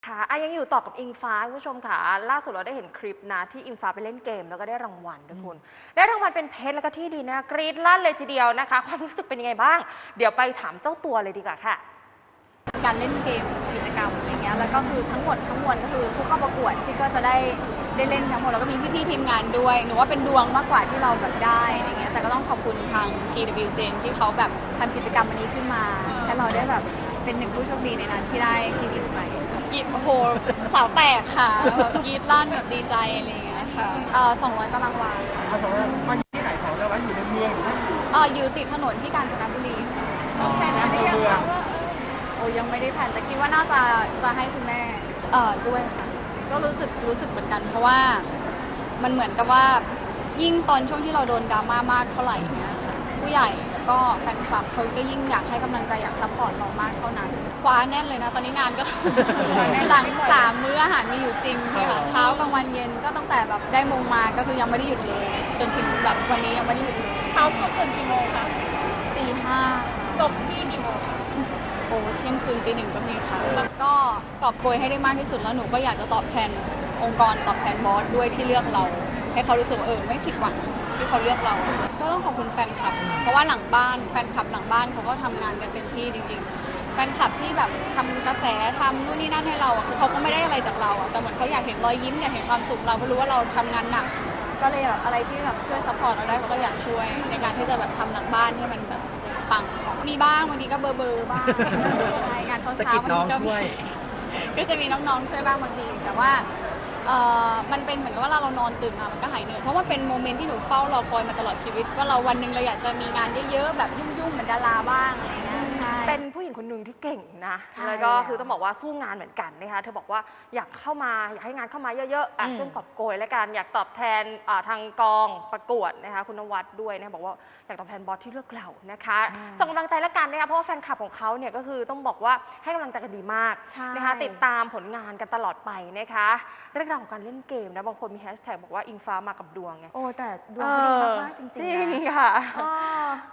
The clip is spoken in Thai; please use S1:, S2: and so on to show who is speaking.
S1: ค่ะยังอยู่ต่อกับอิงฟ้าคุณผู้ชมค่ะล่าสุดเราได้เห็นคลิปนะที่อิงฟ้าไปเล่นเกมแล้วก็ได้รางวัลด้วยคุณได้รางวัลเป็นเพชรแล้วก็ที่ดีนะกรี๊ดลั่นเลยทีเดียวนะคะความรู้สึกเป็นยังไงบ้างเดี๋ยวไปถามเจ้าตัวเลยดีกว่าค่ะ
S2: การเล่นเกมกิจกรรมอะไรเงี้ยแล้วก็คือทั้งหมดทั้งมวลก็คือผู้เข้าประกวดที่ก็จะได้เล่นทั้งหมดแล้วก็มีพี่ๆทีมงานด้วยหนูว่าเป็นดวงมากกว่าที่เราแบบได้อะไรเงี้ยแต่ก็ต้องขอบคุณทาง TWGen ที่เขาแบบทำกิจกรรมวันนี้ขึ้นมาให้เราได้แบบเป็นหนึ่งผู้โชคดีในนั้นที่ได้ที่ดีไปกรีดโอ้โหสาวแตกค่ะแบบกรีดลั่นแบบดีใจอะไรเงี้ยค่ะ200 ตารางวา
S3: เอาสองว่ามันที่ไหนของเราอยู่ในเมืองหรือว่า
S2: อยู่ติดถนนที่กาญจนบุรีค่ะ
S3: ในเมือง
S2: โอ้ยังไม่ได้แผนแต่คิดว่าน่าจะให้คุณแม่ด้วยค่ะก็รู้สึกเหมือนกันเพราะว่ามันเหมือนกับว่ายิ่งตอนช่วงที่เราโดนดราม่ามากเท่าไหร่เนี้ยค่ะผู้ใหญ่แล้วก็แฟนคลับเขาก็ยิ่งอยากให้กำลังใจอยากซัพพอร์ตเรามากเท่านั้นคว้าแน่นเลยนะตอนนี้งานก็ หลัง3 มื้ออาหารมีอยู่จริงค่ะเช้ากลางวันเย็นก็ตั้งแต่แบบได้มงมาก็คือยังไม่ได้หยุดเลยจนถึงแบบวันนี้ยังไม่ได้หยุดเลย
S4: เช้าสุดตื่นกี่โมงคะ
S2: 5:00
S4: จบที่กี่โมงคะ
S2: โอ้เที่ยงคืนตี 1ก็มีค่ะก็กอบโกยให้ได้มากที่สุดแล้วหนูก็อยากจะตอบแทนองค์กรตอบแทนบอสด้วยที่เลือกเรา ให้เขารู้สึกว่าไม่ผิดหวังที่เขาเลือกเราก็ต้องขอบคุณแฟนคลับเพราะว่าหลังบ้านแฟนคลับหลังบ้านเขาก็ทำงานกันเต็มที่จริงๆแฟนคลับที่แบบทำกระแสทำนู่นนี่นั่นให้เราคือเขาก็ไม่ได้อะไรจากเราแต่เหมือนเขาอยากเห็นรอยยิ้มอยากเห็นความสุขเราเพราะรู้ว่าเราทำงานหนักก็เลยแบบอะไรที่แบบช่วยซัพพอร์ตเราได้เขาก็อยากช่วยในการที่จะแบบทำหลังบ้านให้มันแบบปังมีบ้างบางทีก็เบอร์บ้างใช่งานเช้า
S3: สกิปน้องช่วย
S2: ก็จะมีน้องๆช่วยบ้างบางทีแต่ว่ามันเป็นเหมือนกับว่าเรานอนตื่นมามันก็หายเหนื่อยเพราะว่าเป็นโมเมนต์ที่หนูเฝ้ารอคอยมาตลอดชีวิตว่าเราวันหนึ่งเราอยากจะมีงานเยอะๆแบบยุ่งๆเหมือนดาราบ้างอะไรเงี้ยใช่
S1: เป็นผู้หญิงคนหนึ่งที่เก่งนะ
S2: ใช่
S1: แล้วก็คือต้องบอกว่าสู้งานเหมือนกันนะคะเธอบอกว่าอยากเข้ามาอยากให้งานเข้ามาเยอะๆช่วงกอบโกยและกันอยากตอบแทนทางกองประกวดนะคะคุณนวัดด้วยนะบอกว่าอยากตอบแทนบอสที่เลือกเรานะคะส่งกำลังใจและกันนะคะเพราะว่าแฟนคลับของเขาเนี่ยก็คือต้องบอกว่าให้กำลังใจกันดีมากนะคะติดตามผลงานกันตลอดไปนะคะเรื่องราวของการเล่นเกมนะบางคนมีแฮชแท็กบอกว่าอิงฟ้ามากับดวงไง
S2: โอ้แต่ดวงเขาดีมากๆจริงๆ
S1: จริงค่ะ